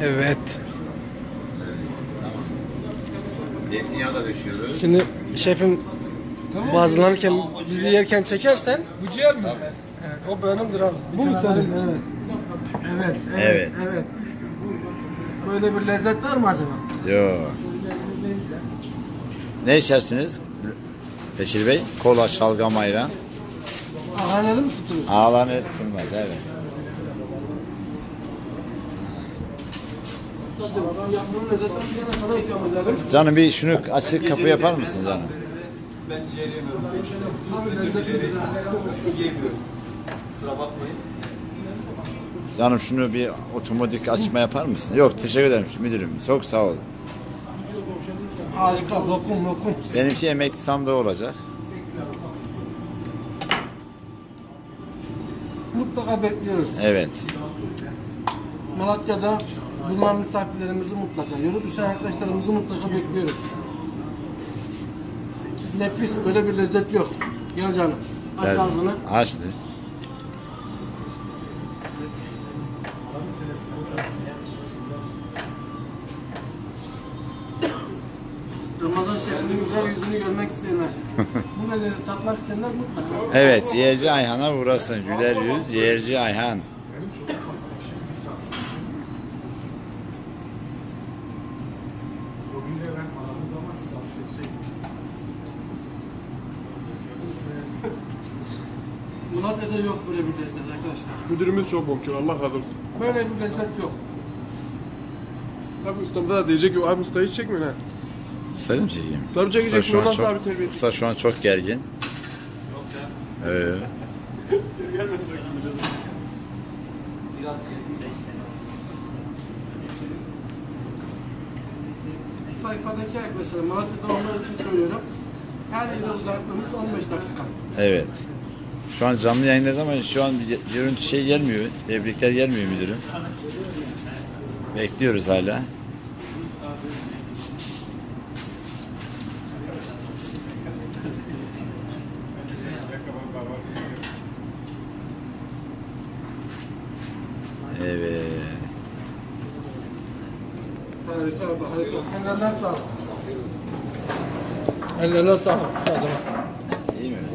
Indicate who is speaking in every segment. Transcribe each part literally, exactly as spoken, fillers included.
Speaker 1: Evet.
Speaker 2: Zeytinyağı da döşüyoruz.
Speaker 1: Şimdi şefim bazılarken bizi yerken çekersen
Speaker 3: Bu ciğer mi?
Speaker 1: evet, o benimdir abi.
Speaker 3: Bu mu senin?
Speaker 1: Evet. Evet, evet,
Speaker 2: Evet.
Speaker 1: evet. Böyle bir lezzet var mı acaba?
Speaker 2: Yo. Ne içersiniz? Beşir Bey? Kola, şalgam, ayran.
Speaker 1: Ahaneli mi tutulur?
Speaker 2: Ağlanır tutulmaz, evet.
Speaker 1: Ustacığım şu yapmanın lezzetini bir yana sana ikram edelim.
Speaker 2: Canım bir şunu açık kapı yapar mısın canım?
Speaker 3: Ben ciğer yemiyorum.
Speaker 1: Abi lezzetli.
Speaker 3: Yemiyorum. Kusura bakmayın.
Speaker 2: Canım şunu bir otomatik açma yapar mısın? Yok teşekkür ederim müdürüm. Çok sağ ol.
Speaker 1: Harika, lokum lokum.
Speaker 2: Benimki emekli sandığı olacak.
Speaker 1: Mutlaka bekliyoruz.
Speaker 2: Evet.
Speaker 1: Malatya'da bulunan misafirlerimizi mutlaka, yolu düşen arkadaşlarımızı mutlaka bekliyoruz. Nefis, böyle bir lezzet yok. Gel canım, aç
Speaker 2: Gel.
Speaker 1: ağzını.
Speaker 2: Açtı.
Speaker 1: Ramazan şefinin güzel yüzünü görmek isteyenler, bu lezzeti tatmak isteyenler mutlaka.
Speaker 2: Evet ciğerci Ayhan'a uğrasın. Güler yüz ciğerci Ayhan.
Speaker 1: Malatya'da yok böyle bir lezzet arkadaşlar.
Speaker 4: Müdürümüz çok bonkör, Allah razı olsun.
Speaker 1: Böyle bir lezzet yok.
Speaker 4: Tabii ustamıza da diyecek ki abi usta hiç çekmiyor ha.
Speaker 2: Söyledim çekeyim.
Speaker 4: Tabii
Speaker 2: Usta
Speaker 4: çekecek,
Speaker 2: şu
Speaker 4: bunu
Speaker 2: an
Speaker 4: nasıl
Speaker 2: çok,
Speaker 4: abi terbiye edecek?
Speaker 2: usta şu an çok gergin. Ee,
Speaker 1: Sayfadaki arkadaşlar, Malatya'da onlar için söylüyorum. Her yere uzaklığımız on beş dakika.
Speaker 2: evet. Şu an canlı yayındayız ama şu an bir görüntü şey gelmiyor. Tebrikler gelmiyor müdürüm. Bekliyoruz hala. Evet.
Speaker 1: Harika abi, harika. Ellerine sağlık. Ellerine sağlık. Ustacığım.
Speaker 2: İyi mi?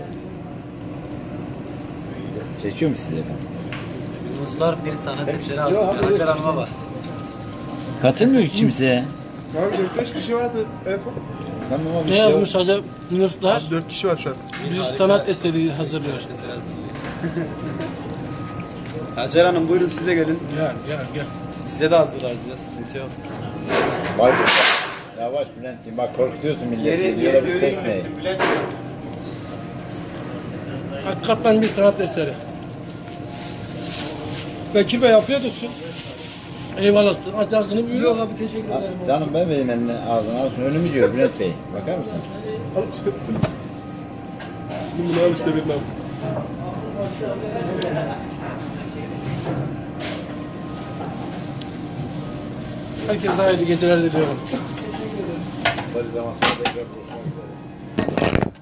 Speaker 2: Çekiyor mu sizi?
Speaker 5: Ruslar bir sanat eseri hazırlıyor. Hacer Hanım'a var.
Speaker 2: Katılmıyor ki kimseye.
Speaker 4: Abi dört beş kişi vardı en son.
Speaker 2: Tamam abi.
Speaker 1: Ne yazmış Hacı Yunuslar?
Speaker 4: dört kişi var şu an.
Speaker 1: Bir sanat eseri hazırlıyor.
Speaker 5: Eseri hazırlıyor. Hacer Hanım buyurun size gelin.
Speaker 1: Gel, gel, gel.
Speaker 5: Size de hazırlarız ya sıkıntı yok.
Speaker 2: Vay be. Yavaş Bülent'ciğim bak korkutuyorsun milleti.
Speaker 5: Yeri
Speaker 2: Diyorlar
Speaker 5: yeri
Speaker 2: bir ses ne?
Speaker 5: yeri Bülent.
Speaker 1: Hakikaten bir sanat eseri. Bekir Bey yapıyorsun. Eyvallah. Aç ağzını buyur. Yok abi, teşekkür ederim.
Speaker 2: Canım ben vereyim eline ağzına al şunu önümü diyor Bülent Bey. Bakar mısın?
Speaker 4: Bunu al işte benim abi.
Speaker 1: Herkese hayırlı geceler diliyorum.
Speaker 2: Kısa bir zaman sonra tekrar buluşmak üzere.